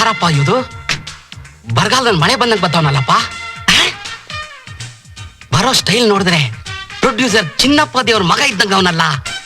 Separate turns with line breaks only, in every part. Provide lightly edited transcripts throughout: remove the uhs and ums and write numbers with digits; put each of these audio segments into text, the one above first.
ಯಾರಪ್ಪ ಇದು? ಬರಗಾಲದಲ್ಲಿ ಮಳೆ ಬಂದಂಗೆ ಬರ್ತಾವನಲ್ಲಪ್ಪ. ಬರೋ ಸ್ಟೈಲ್ ನೋಡಿದ್ರೆ ಪ್ರೊಡ್ಯೂಸರ್ ಚಿನ್ನಪ್ಪ ದೇವ್ರ ಮಗ ಇದ್ದಂಗ ಅವನಲ್ಲ.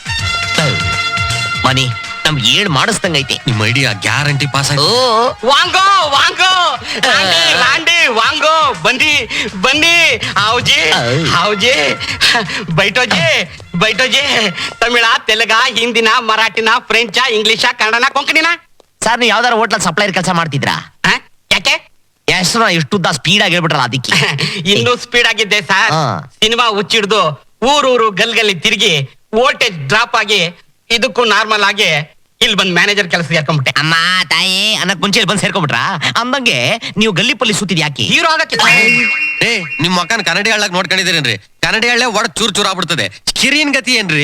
ಮನಿ ನಮ್ಗೆ ಏನ್ ಮಾಡಿಸ್ದಂಗೈತಿ.
ನಿಮ್ಮ ಐಡಿಯಾ ಗ್ಯಾರಂಟಿ ಪಾಸ್ ಆಯ್ತು.
ವಾಂಗೋ ವಾಂಗೋ ರಾಂಡಿ ವಾಂಗೋ ಬನ್ನಿ ಬನ್ನಿ ಹಾವುಜಿ ಹಾವುಜಿ ಬೈಟೋಜಿ ಬೈಟೋಜಿ. ತಮಿಳ, ತೆಲುಗ, ಹಿಂದಿನ, ಮರಾಠಿನ, ಫ್ರೆಂಚ, ಇಂಗ್ಲಿಷ, ಕನ್ನಡನ, ಕೊಂಕಣಿನ?
ಸರ್ ನೀವು ಯಾವ್ದಾರ ಹೋಟ್ಲಲ್ಲಿ ಸಪ್ಲೈರ್ ಕೆಲಸ ಮಾಡ್ತಿದ್ರಾ?
ಯಾಕೆ
ಹೆಸರು ಇಷ್ಟುದ್ದ ಸ್ಪೀಡ್ ಆಗಿ ಹೇಳ್ಬಿಟ್ರಲ್ಲ ಅದಕ್ಕೆ.
ಇನ್ನೂ ಸ್ಪೀಡ್ ಆಗಿದ್ದೆ ಸರ್. ಸಿನಿಮಾ ಹುಚ್ಚಿಡ್ದು ಊರೂರು ಗಲ್ಗಲ್ಲಿ ತಿರುಗಿ ವೋಲ್ಟೇಜ್ ಡ್ರಾಪ್ ಆಗಿ ಇದಕ್ಕೂ ನಾರ್ಮಲ್ ಆಗಿ ಇಲ್ಲಿ ಬಂದ್ ಮ್ಯಾನೇಜರ್ ಕೆಲಸ ಸೇರ್ಕೊಂಡ್ಬಿಟ್ಟೆ.
ಅಮ್ಮ ತಾಯಿ ಅನ್ನಕ್ ಮುಂಚೆ ಬಂದ್ ಸೇರ್ಕೊಂಡ್ಬಿಟ್ರ? ಅಂದಂಗೆ ನೀವು ಗಲ್ಲಿ ಪಲ್ಲಿ ಸುತ್ತಿದ್ ಯಾಕೆ?
ಹೀರೋ ಆಗಕ್ಕೆ.
ಏ ನಿಮ್ ಮಕ್ಕನ್ ಕನ್ನಡಿ ಹಳ್ಳಕ್ ನೋಡ್ಕೊಂಡಿದ್ದೀರೇನ್ರಿ? ಕನ್ನಡಿ ಹಳ್ಳೆ ಒಡ ಚೂರ್ ಚೂರ್ ಆಗ್ಬಿಡ್ತದೆ. ಕಿರಿಯನ್ ಗತಿ ಏನ್ರಿ?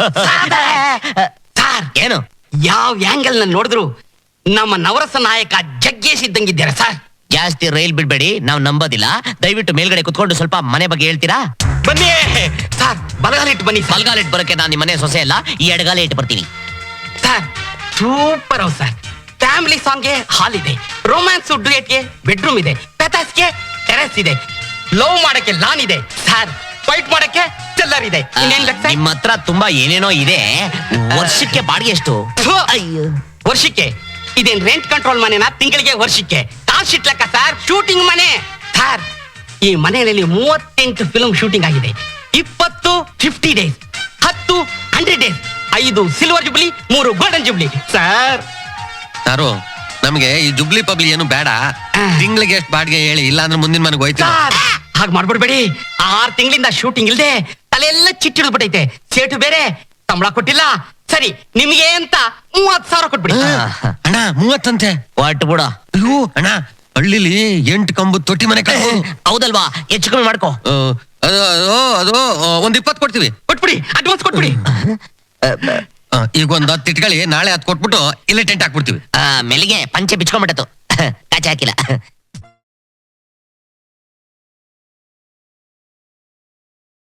ಸರ್
ಏನು
ಯಾವ ಆಂಗಲ್ ನ ನೋಡಿದ್ರು ನಮ್ಮ ನವರಸ ನಾಯಕ ಜಗ್ಗೇಶ್ ಇದ್ದಂಗಿದ್ದಾರೆ ಸರ್.
ಜಾಸ್ತಿ ರೈಲ್ ಬಿಡ್ಬೇಡಿ, ನಾವ್ ನಂಬೋದಿಲ್ಲ. ದಯವಿಟ್ಟು ಮೇಲ್ಗಡೆ ಕುತ್ಕೊಂಡು ಸ್ವಲ್ಪ ಮನೆ ಬಗ್ಗೆ ಹೇಳ್ತೀರಾ?
ಬನ್ನಿ ಸರ್, ಬಲಗಾಲ ಇಟ್ಟು ಬನ್ನಿ.
ಬಲ್ಗಾಲ ಇಟ್ಟು ಬರೋಕೆ ನಾನು ನಿಮ್ಮ ಮನೆ ಸೊಸೆ ಅಲ್ಲ, ಈ ಎಡಗಾಲ ಇಟ್ಟು ಬರ್ತೀನಿ.
Sir super house sir. Family ಸಾಂಗ್ಗೆ ಹಾಲ್ ಇದೆ, ರೊಮ್ಯಾನ್ಸ್ ಡುಯೆಟ್ಗೆ ಬೆಡ್ರೂಮ್ ಇದೆ, ಪೆತಾಸ್ಗೆ ಟೆರೆಸ್ ಇದೆ, ಲವ್ ಮಾಡಕ್ಕೆ ಲಾನ್ ಇದೆ ಸರ್, ಫೈಟ್ ಮಾಡಕ್ಕೆ ಚೆಲ್ಲರ್ ಇದೆ. ಇನ್ನೇನ್ ಲೆಕ್ಕ?
ನಿಮ್ಮ ಹತ್ರ ತುಂಬಾ ಏನೇನೋ ಇದೆ. ವರ್ಷಕ್ಕೆ ಬಾಡಿಗೆ ಎಷ್ಟು?
ವರ್ಷಕ್ಕೆ ಇದೇನ್ ರೆಂಟ್ ಕಂಟ್ರೋಲ್ ಮನೆನಾ? ತಿಂಗಳಿಗೆ ವರ್ಷಕ್ಕೆ ಕಾಲ್ ಶೀಟ್ ಲೆಕ್ಕ ಸರ್. ಶೂಟಿಂಗ್ ಮನೆ ಸರ್. ಈ ಮನೆಯಲ್ಲಿ 38 ಫಿಲ್ಮ್ ಶೂಟಿಂಗ್ ಆಗಿದೆ. 20 50 days, 10 100 days, 5 silver jubilee, 3 golden jubilee sir.
ಯಾರು ನಮ್ಗೆ ಈ ಜುಬ್ಲಿ ಪಬ್ಲಿ ಏನು ಬೇಡ. ತಿಂಗಳಿಗೆ ಎಷ್ಟು ಬಾಡಿಗೆ ಹೇಳಿ, ಇಲ್ಲ ಅಂದ್ರೆ ಮುಂದಿನ ಮನೆಗೆ ಹೋಯ್ತು.
ಹಾಗೆ ಮಾಡ್ಬಿಡ್ಬೇಡಿ. 6 ತಿಂಗಳಿಂದ ಶೂಟಿಂಗ್ ಇಲ್ದೆ ತಲೆಯೆಲ್ಲ ಚಿಟ್ಟಿಡ್ಬಿಟ್ಟೈತೆ. ಸೇಟು ಬೇರೆ ಸಂಬಳ ಕೊಟ್ಟಿಲ್ಲ. ಸರಿ ನಿಮ್ಗೆ ಅಂತ 30,000 ಕೊಟ್ಬಿಡಿ.
ಅಣ್ಣ 30 ಅಂತೆ?
ಒಟ್ಟು ಬಿಡ.
ಅಯ್ಯೋ ಅಣ್ಣ, ಹಳ್ಳಿಲಿ 8 ಕಂಬು ತೊಟ್ಟಿ ಮನೆ
ಹೌದಲ್ವಾ? ಹೆಚ್ಚು ಕಮ್ಮಿ ಮಾಡ್ಕೋ.
ಅದು ಅದು ಒಂದ್ 20 ಕೊಡ್ತೀವಿ.
ಕೊಟ್ಬಿಡಿ, ಅಡ್ವಾನ್ಸ್ ಕೊಟ್ಬಿಡಿ.
ಈಗ ಒಂದ್ 10 ಇಟ್ಕೊಳ್ಳಿ, ನಾಳೆ 10 ಕೊಟ್ಬಿಟ್ಟು ಇಲ್ಲೇ ಟೆಂಟ್ ಹಾಕ್ಬಿಡ್ತೀವಿ.
ಮೆಲ್ಲಿಗೆ ಪಂಚೆ ಬಿಚ್ಕೊಂಡ್ಬಿಟ್ಟತು, ಕಾಚೆ ಹಾಕಿಲ್ಲ.